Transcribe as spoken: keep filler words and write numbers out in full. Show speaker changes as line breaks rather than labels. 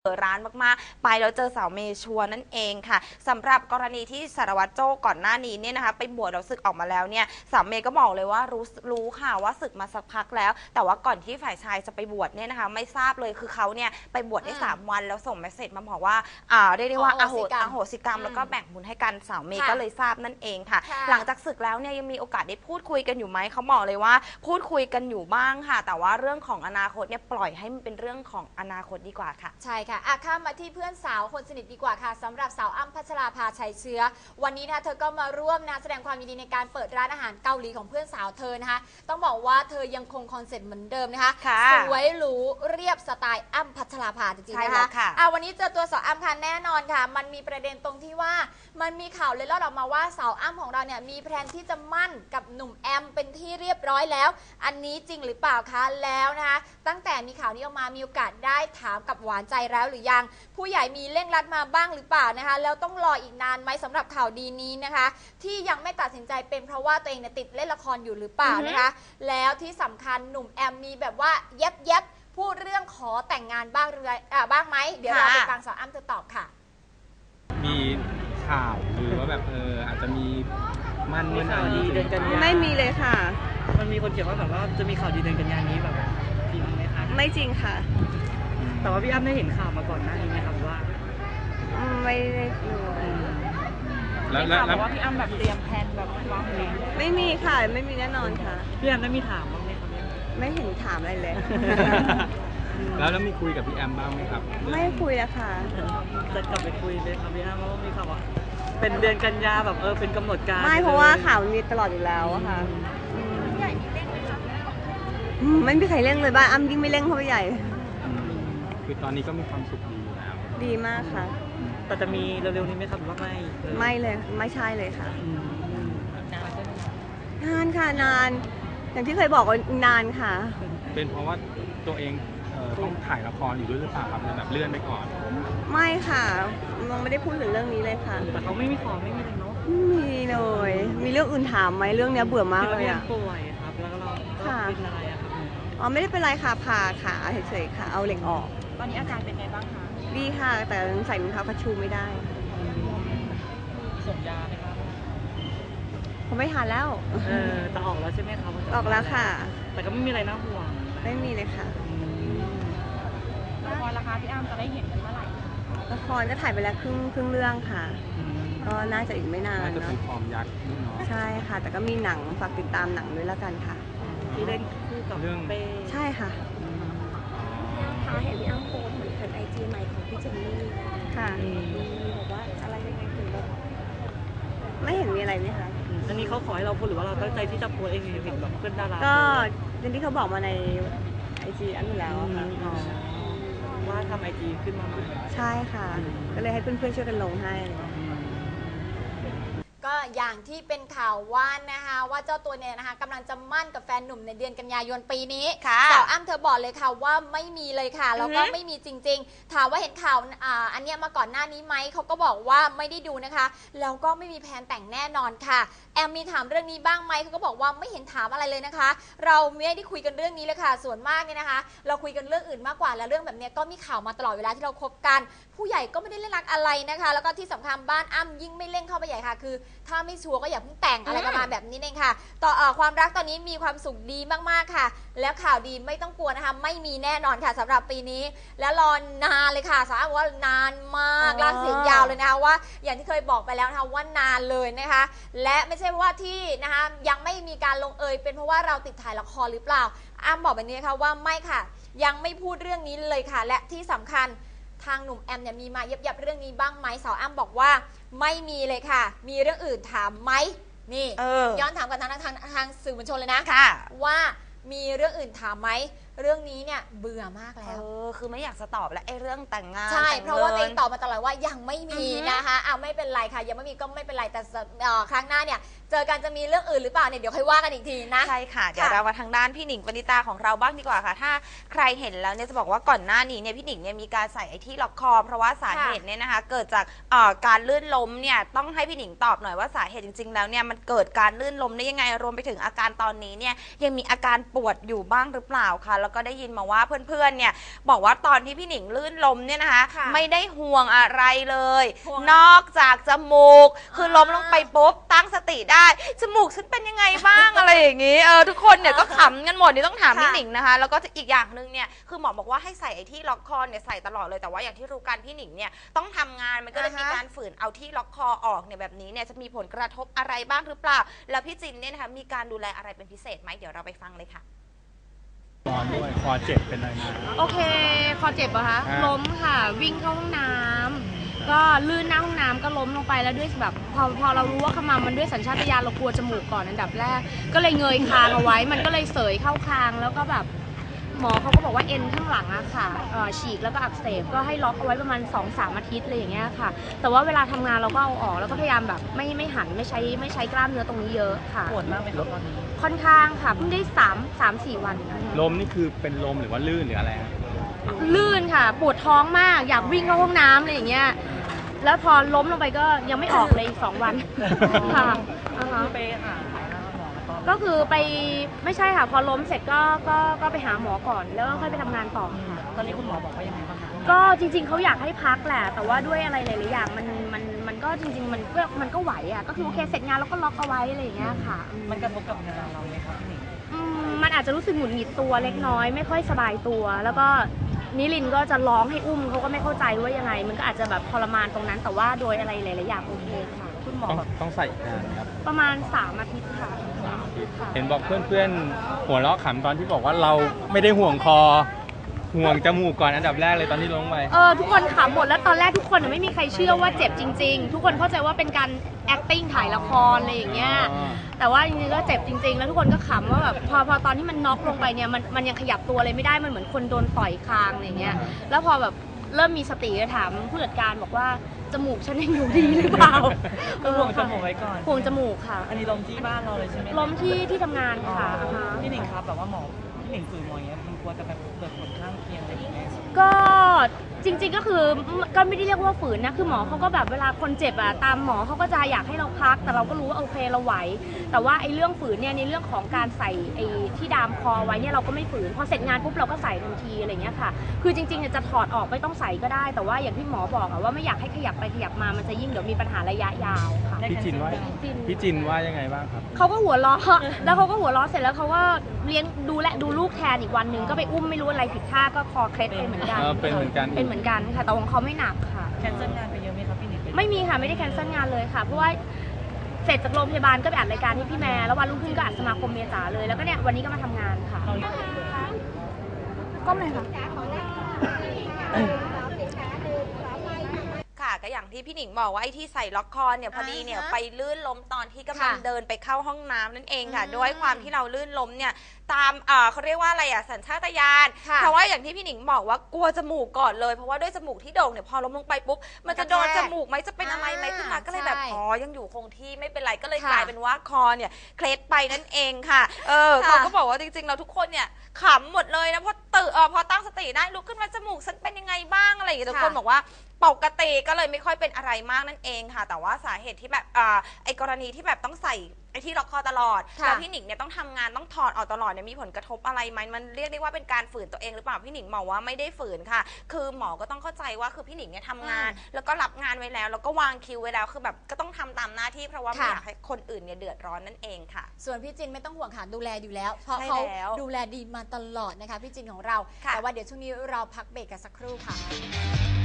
ร้านมากๆไปแล้วเจอสาวเมชัวนั่นเองค่ะสำหรับกรณีที่สารวัตรโจ้ก่อนหน้านี้เนี่ยนะคะไปบวชแล้วศึกออกมาแล้วเนี่ยสาวเมย์ก็บอกเลยว่ารู้รู้ค่ะว่าศึกมาสักพักแล้วแต่ว่าก่อนที่ฝ่ายชายจะไปบวชเนี่ยนะคะไม่ทราบเลยคือเขาเนี่ยไปบวชได้สามวันแล้วส่งเมสเซจมาบอกว่าอ่าได้ได้ว่าอโหอโหสิกรรมแล้วก็แบ่งบุญให้กันสาวเมย์ก็เลยทราบนั่นเองค่ะหลังจากศึกแล้วเนี่ยยังมีโอกาสได้พูดคุยกันอยู่ไหมเขาบอกเลยว่าพูดคุยกันอยู่บ้างค่ะแต่ว่าเรื่องของอนาคตเนี่ยปล่อยให้มันเป็นเรื่องของอนาคตดีกว่าค่ะ
ใช่ค่ะอ่ะข้ามมาที่เพื่อนสาวคนสนิทดีกว่าค่ะสำหรับสาวอ้ำพัชราภาชัยเชื้อวันนี้นะคะเธอก็มาร่วมนะแสดงความยินดีในการเปิดร้านอาหารเกาหลีของเพื่อนสาวเธอนะคะต้องบอกว่าเธอยังคงคอนเซ็ปต์เหมือนเดิมนะคะสวยหรูเรียบสไตล์อ้ำพัชราภาจริงๆนะคะอ่ะวันนี้เจอตัวสาวอ้ำค่ะแน่นอนค่ะมันมีประเด็นตรงที่ว่ามันมีข่าวเลยเล่าออกมาว่าสาวอ้ำของเราเนี่ยมีแพลนที่จะมั่นกับหนุ่มแอมเป็นที่เรียบร้อยแล้วอันนี้จริงหรือเปล่าคะแล้วนะคะตั้งแต่มีข่าวนี้ออกมามีโอกาสได้ถามกับหวานใจแล้วหรือยังผู้ใหญ่มีเร่งรัดมาบ้างหรือเปล่านะคะแล้วต้องรออีกนานไหมสำหรับข่าวดีนี้นะคะที่ยังไม่ตัดสินใจเป็นเพราะว่าตัวเองเนี่ยติดเล่นละครอยู่หรือเปล่านะคะแล้วที่สำคัญหนุ่มแอมมีแบบว่าเย็บเย็บพูดเรื่องขอแต่งงานบ้างหรืออ่าบ้างไหมเดี๋ยวเราไปฟังสาวอ้ำเธอตอบค่ะ
มีข่าวหรือว่าแบบเอออาจจะมีมันเมื่อไหร่
เดือนกันยา
ไม่มีเลยค่ะ
มันมีคนเขียนว่าแบบว่าจะมีข่าวดีเดือนกันยานี้แบบจริงไหมคะ
ไม่จริงค่ะ
แต่ว่าพี่อ้ำได้เห็นข่าวมาก่อนหน้านี้ไหมครับว่า
ไม่ได้ดู
แล้วแล้ว
ว่าพี่อ้ำแบบเตรียมแผนแบบวางแผน
ไม่มีค่ะไม่มีแน่นอนค่ะ
พี่อ้ำได้มีถามบ้างไหมครับ
ไม่เห็นถามอะไรเลย
แล้วแล้วมีคุยกับพี่แอมบ้างไหมครับ
ไม่คุยแล้วค่ะ
จะกลับไปคุยเลยครับพี่อ้ำว่ามีข่าวว่าเป็นเดือนกันยาแบบเออเป็นกำหนดการ
ไม่เพราะว่าข่าวมีตลอดอยู่แล้วค่ะ
ใหญ่มีเร่งไหมคะ
ไม่มีใครเร่งเลยบ้านอ้ำยิ่งไม่เร่งเข้าไปใหญ่
คือตอนนี้ก็มีความสุขดีอยู่แล้ว
ดีมากค่ะ
แต่จะมีเร็วๆนี้ไหมครับหรือว่าไม่
ไม่เลยไม่ใช่เลยค่ะนานค่ะนานอย่างที่เคยบอกว่านานค่ะ
เป็นเพราะว่าตัวเองต้องถ่ายละครอยู่ด้วยหรือเปล่าครับแบบเลื่อนไปก่อน
ไม่ค่ะมองไม่ได้พูดถึงเรื่องนี้เลยค่ะ
แต่เขาไม่มีขอไม่มีเลยเนาะ
ไม่มีเลยมีเรื่องอื่นถามไหมเรื่องนี้เบื่อมากเลยอ่ะ
ป่วยครับแล้วก็เราเป็นอะไรอะครับ
อ๋อไม่ได้เป็นไรค่ะผ่าขาเฉยๆค่ะเอาเหล็กออก
ตอนนี้อาการเป็นไงบ้างคะ
ดีค่ะแต่ใส่รองเท้าคัชชูไม่ได้
ส่งยาไหมครับ
เขาไม่ทานแล้ว
เออแต่ออกแล้วใช่ไหมครับ
ออกแล้วค่ะ
แต่ก็ไม่มีอะไรน่าห่วง
ไม่มีเลยค่ะ
ละครราคาพี่อ้ำจะได้เห็นกันเมื่อไหร่
ละครก็ถ่ายไปแล้วครึ่งครึ่งเรื่องค่ะก็น่าจะอีกไม่นาน
เนาะน่าจะเป็นฟอร์มยักษ์เนาะ
ใช่ค่ะแต่ก็มีหนังฝากติดตามหนังด้วยแล้วกันค่ะ
ที่เล่นคู่กับ
เรื่อง
เป้
ใช่ค่ะ
ค่ะเห็นพี่อ้ำโพสเหมือนเป็นไอจีใหม่ของพี่เจนนี่
ค่ะ
บอกว่าอะไรยังไงถึงแบบ
ไม่เห็นมีอะไรไหมคะ
อันนี้เขาขอให้เราพูดหรือว่าเราตั้งใจที่จะโพสเองเห็นแบบเพื่อนดารา
ก็อย่างที่เขาบอกมาในไอจีอันนี้แล้วค่ะ
ว่าทำไอจีขึ้นมาใหม่
ใช่ค่ะก็เลยให้เพื่อนๆช่วยกันลงให้
ก็อย่างที่เป็นข่าวว่านะคะว่าเจ้าตัวเนี่ยนะคะกำลังจะมั่นกับแฟนหนุ่มในเดือนกันยายนปีนี้สาวอ้ำเธอบอกเลยค่ะว่าไม่มีเลยค่ะแล้วก็ไม่มีจริงๆถามว่าเห็นข่าวอ่าอันเนี้ยมาก่อนหน้านี้ไหมเขาก็บอกว่าไม่ได้ดูนะคะแล้วก็ไม่มีแผนแต่งแน่นอนค่ะแอมมีถามเรื่องนี้บ้างไหมเขาก็บอกว่าไม่เห็นถามอะไรเลยนะคะเราไม่ได้คุยกันเรื่องนี้เลยค่ะส่วนมากเนี่ยนะคะเราคุยกันเรื่องอื่นมากกว่าแล้วเรื่องแบบนี้ก็มีข่าวมาตลอดเวลาที่เราคบกันผู้ใหญ่ก็ไม่ได้เล่นรักอะไรนะคะแล้วก็ที่สำคัญบ้านอ้ำยิ่งไม่เล่นเข้าไปใหญ่ค่ะคือถ้าไม่ชัวร์ก็อย่าเพิ่งแต่งอะไรประมาณแบบนี้เองค่ะต่อเอ่อความรักตอนนี้มีความสุขดีมากๆค่ะแล้วข่าวดีไม่ต้องกลัวนะคะไม่มีแน่นอนค่ะสำหรับปีนี้และรอนานเลยค่ะสาวว่านานมากลากเสียงยาวเลยนะคะว่าอย่างที่เคยบอกไปแล้วนะคะว่านานเลยนะคะและไม่ใช่ว่าที่นะคะยังไม่มีการลงเอยเป็นเพราะว่าเราติดถ่ายละครหรือเปล่าอ้ำบอกแบบนี้นะคะว่าไม่ค่ะยังไม่พูดเรื่องนี้เลยค่ะและที่สำคัญทางหนุ่มแอมเนี่ยมีมาเย็บๆเรื่องนี้บ้างไหมสาวอ้ำบอกว่าไม่มีเลยค่ะมีเรื่องอื่นถามไหมนี่ย้อนถามกันทางทางทางสื่อมวลชนเลยนะว่ามีเรื่องอื่นถามไหมเรื่องนี้เนี่ยเบื่อมากแล้ว
เออคือไม่อยากจะตอบแล้วไอ้เรื่องแต่งงาน
ใช่เพราะว่าตัวเองตอบมาตลอดว่ายังไม่มีนะคะอ้าวไม่เป็นไรค่ะยังไม่มีก็ไม่เป็นไรแต่ครั้งหน้าเนี่ยเจอกันจะมีเรื่องอื่นหรือเปล่าเนี่ยเดี๋ยวค่อยว่ากันอีกทีนะ
ใช่ค่ะเดี๋ยวเรามาทางด้านพี่หนิงปณิตาของเราบ้างดีกว่าค่ะถ้าใครเห็นแล้วเนี่ยจะบอกว่าก่อนหน้านี้เนี่ยพี่หนิงเนี่ยมีการใส่ไอ้ที่ล็อกคอเพราะว่าสาเหตุเนี่ยนะคะเกิดจากการลื่นล้มเนี่ยต้องให้พี่หนิงตอบหน่อยว่าสาเหตุจริงๆแล้วเนี่ยมันเกิดการลื่นล้มได้ยังไงรวมไปถึงอาการตอนนี้เนี่ยยังมีอาการปวดอยู่บ้างหรือเปล่าคะแล้วก็ได้ยินมาว่าเพื่อนๆเนี่ยบอกว่าตอนที่พี่หนิงลื่นล้มเนี่ยนะคะ
ค่ะ
ไม่ได้ห่วงอะไรเลย
ห่วง
นอกจากจมูกคือล้มลงไป
อ่า
ปุ๊บตั้งสติได้จมูกฉันเป็นยังไงบ้าง อะไรอย่างนี้เออทุกคนเนี่ยก็ขำกันหมดนี่ต้องถามพี่หนิงนะคะแล้วก็อีกอย่างหนึ่งเนี่ยคือหมอบอกว่าให้ใส่ไอ้ที่ล็อกคอเนี่ยใส่ตลอดเลยแต่ว่าอย่างที่รู้กันพี่หนิงเนี่ยต้องทำงานมันก็เลยมีการฝืนเอาที่ล็อกคอออกเนี่ยแบบนี้เนี่ยจะมีผลกระทบอะไรบ้างหรือเปล่าแล้วพี่จินเนี่ยนะคะมีการดูแลอะไรเป็นพิเศษไหมเดี๋ยวเราไปฟังเลยค่ะ
นอนด้วยคอเจ็บเป็นอะไรมา
โอเค คอเจ็บเหรอคะ
อ่า
ล้มค่ะ วิ่งเข้าห้องน้ำก็ลื่นหน้าห้องน้ำก็ล้มลงไปแล้วด้วยแบบพอพอเรารู้ว่าขมำมันด้วยสัญชาตญาณเรากลัวจมูกก่อนอันดับแรก ก็เลยเงยคางเอาไว้ มันก็เลยเสยเข้าคางแล้วก็แบบหมอเขาก็บอกว่าเอ็นข้างหลังอะค่ะเอ่อฉีกแล้วก็อักเสบก็ให้ล็อกเอาไว้ประมาณ สองถึงสาม อาทิตย์เลยอย่างเงี้ยค่ะ แต่ว่าเวลาทำงานเราก็เอาออกแล้วก็พยายามแบบไม่ไม่หันไม่ใช้ไม่ใช้กล้ามเนื้อตรงนี้เยอะค่ะ
ปวดมากไหมครับตอนนี้
ค่อนข้างค่ะเพิ่งได้สาม สาม สี่วัน
ลมนี่คือเป็นลมหรือว่าลื่นหรืออะไรฮะ
ลื่นค่ะ ปวดท้องมากอยากวิ่งเข้าห้องน้ำอะไรอย่างเงี้ยแล้วพอล้มลงไปก็ยังไม่ออกเลยอีกสองวันค่ะอ่าฮะ
ไปหาหมอแล้วก็
ก็คือไปไม่ใช่ค่ะพอล้มเสร็จก็ก็ก็ไปหาหมอก่อนแล้วก็ค่อยไปทำงานต่อค่ะ
ตอนนี้คุณหมอบอกว่ายังไงบ้างคะ
ก็จริงๆเขาอยากให้พักแหละแต่ว่าด้วยอะไรหลายๆอย่างมันมันมันก็จริง ๆ มันก็มันก็ไหวอ่ะก็คือโอเคเสร็จงานแล้วก็ล็อกเอาไว้อะไรอย่างเงี้ยค่ะอืม
มันกระทบกับงานเราไหมครับพี่หนิง
อืมมันอาจจะรู้สึกหงุดหงิดตัวเล็กน้อยไม่ค่อยสบายตัว แล้วก็นิลินก็จะร้องให้อุ้มเขาก็ไม่เข้าใจว่ายังไง มันก็อาจจะแบบทรมานตรงนั้น แต่ว่าโดยอะไรหลายๆอย่างโอเคค่ะ
คุณหมอ
ต้อง
แบบ
ต้องใส่อีกนานครับ
ประมาณสามอาทิตย์ค่ะค่ะ
เห็นบอกเพื่อนๆหัวเราะขำตอนที่บอกว่าเราไม่ได้ห่วงคอ ห่วงจมูกก่อนอันดับแรกเลยตอนที่ลงไป
เออทุกคนขำหมดแล้วตอนแรกทุกคนอะไม่มีใครเชื่อว่าเจ็บจริง ๆ ทุกคนเข้าใจว่าเป็นการ acting ถ่ายละครอะไรอย่างเงี้ย
อ๋อ
แต่ว่าจริงๆก็เจ็บจริง ๆ แล้วทุกคนก็ขำว่าแบบพอพอตอนที่มันน็อกลงไปเนี่ยมันมันยังขยับตัวอะไรไม่ได้มันเหมือนคนโดนต่อยคางอะไรอย่างเงี้ยแล้วพอแบบเริ่มมีสติก็ถามผู้จัดการบอกว่าจมูกฉันยังอยู่ดีหรือเปล่า
ก็ห่วงจมูกไว้ก่อน
ห่วงจมูกค่ะ
อันนี้ลมที่บ้านเราเลยใช่ไหม
ล้มที่ที่ทำงานค่ะอ่าฮะ
พี่หนิงครับแบบว่าหมอพี่หนิงฝืนหมออย่างเงี้ยมันกลัวจะแบบเกิดผลข้างเคียงอะไรอย่างเงี้ย
ก็จริงๆก็คือก็ไม่ได้เรียกว่าฝืนนะคือหมอเขาก็แบบเวลาคนเจ็บอะตามหมอเขาก็จะอยากให้เราพัก แต่เราก็รู้ว่าโอเคเราไหวแต่ว่าไอ้เรื่องฝืนเนี่ยในเรื่องของการใส่ไอ้ที่ดามคอไว้เนี่ยเราก็ไม่ฝืนพอเสร็จงานปุ๊บเราก็ใส่ทันทีอะไรเงี้ยค่ะคือจริงๆเนี่ยจะถอดออกไม่ต้องใส่ก็ได้ แต่ว่าอย่างที่หมอบอกอะว่าไม่อยากให้ขยับไปขยับมามันจะยิ่งเดี๋ยวมีปัญหาระยะยาวค่ะ
พี่จินว่า
จิน
พี่จินว่ายังไงบ้างครับ
เขาก็หัวเราะ แล้วเขาก็หัวเราะเสร็จแล้วเขาก็เลี้ยงดูแลดูลูกแทนอีกวันหนึ่งก็ไปอุ้มไม่รู้อะไรผิดท่าก็คอเคล็ดไปเหมือนกัน
เออเป็นเหมือนกัน
เป็นเหมือนกันค่ะแต่ของเขาไม่หนักค่ะ
แคนเซิลงานไปเยอะไหมครับพี่หนิงเป็น
ไม่มีค่ะไม่ได้แคนเซิลงานเลยค่ะ เพราะว่าเสร็จจากโรงพยาบาลก็ไปอัดรายการให้พี่แม่แล้ววันรุ่งขึ้นก็อัดสมาคมเมษาเลยแล้วก็เนี่ยวันนี้ก็มาทำงานค่ะก้มเลยค่ะ
ค่ะก็อย่างที่พี่หนิงบอกว่าไอ้ที่ใส่ล็อกคอเนี่ยพอดีเนี่ย
อ่าฮะ
ไปลื่นล้มตอนที่กำลัง
ค่ะ
เดินไปเข้าห้องน้ำนั่นเองค่ะ
อืม
ด้วยความที่เราลื่นล้มเนี่ยตามเอ่อเขาเรียกว่าอะไรอะสัญชาตญาณ
ค่ะ
เพราะว่าอย่างที่พี่หนิงบอกว่ากลัวจมูกก่อนเลยเพราะว่าด้วยจมูกที่โด่งเนี่ยพอล้มลงไปปุ๊บมันจะโดน
กระแท
จ
ก
มูกไหมจะเป็นอะไรไหม
อ่า
ขึ้นมาก็เลยแบบ
ใช่
อ๋อยังอยู่คงที่ไม่เป็นไรก็เลย
ค่ะ
กลายเป็นว่าคอเนี่ยเคล็ดไปนั่นเองค่ะเออ
ค่ะ
เขาก็บอกว่าจริงๆเราทุกคนเนี่ยขำหมดเลยนะเพราะตื่นเออพอตั้งสติได้ลุกขึ้นมาจมูกฉันเป็นยังไงบ้างอะไรอย่างเงี้ยทุกคนบอกว่า ปกติก็เลยไม่ค่อยเป็นอะไรมากนั่นเองค่ะ แต่ว่าสาเหตุที่แบบอ่าไอ้กรณีที่แบบต้องใส่ไอ้ที่ล็อกคอตลอด
ค่ะ
แล้วพี่หนิงเนี่ยต้องทำงานต้องถอดออกตลอดเนี่ยมีผลกระทบอะไรไหมมันเรียกได้ว่าเป็นการฝืนตัวเองหรือเปล่าพี่หนิงบอกว่าไม่ได้ฝืนค่ะ คือหมอก็ต้องเข้าใจว่าคือพี่หนิงเนี่ยทำงาน แล้วก็รับงานไว้แล้วแล้วก็วางคิวไว้แล้วคือแบบก็ต้องทำตามหน้าที่เพราะว่าไม่
ค่ะ
อยากให้คนอื่นเนี่ยเดือดร้อนนั่นเองค่ะ
ส่วนพี่จินไม่ต้องห่วงค่ะดูแลอยู่แล้ว เพราะ
ใช่
เขา
แล้ว
ดูแลดีมาตลอดนะคะพี่จินของเรา
ค่ะ
แต่ว่าเดี๋ยวช่วงนี้เราพักเบรกกันสักครู่ค่ะ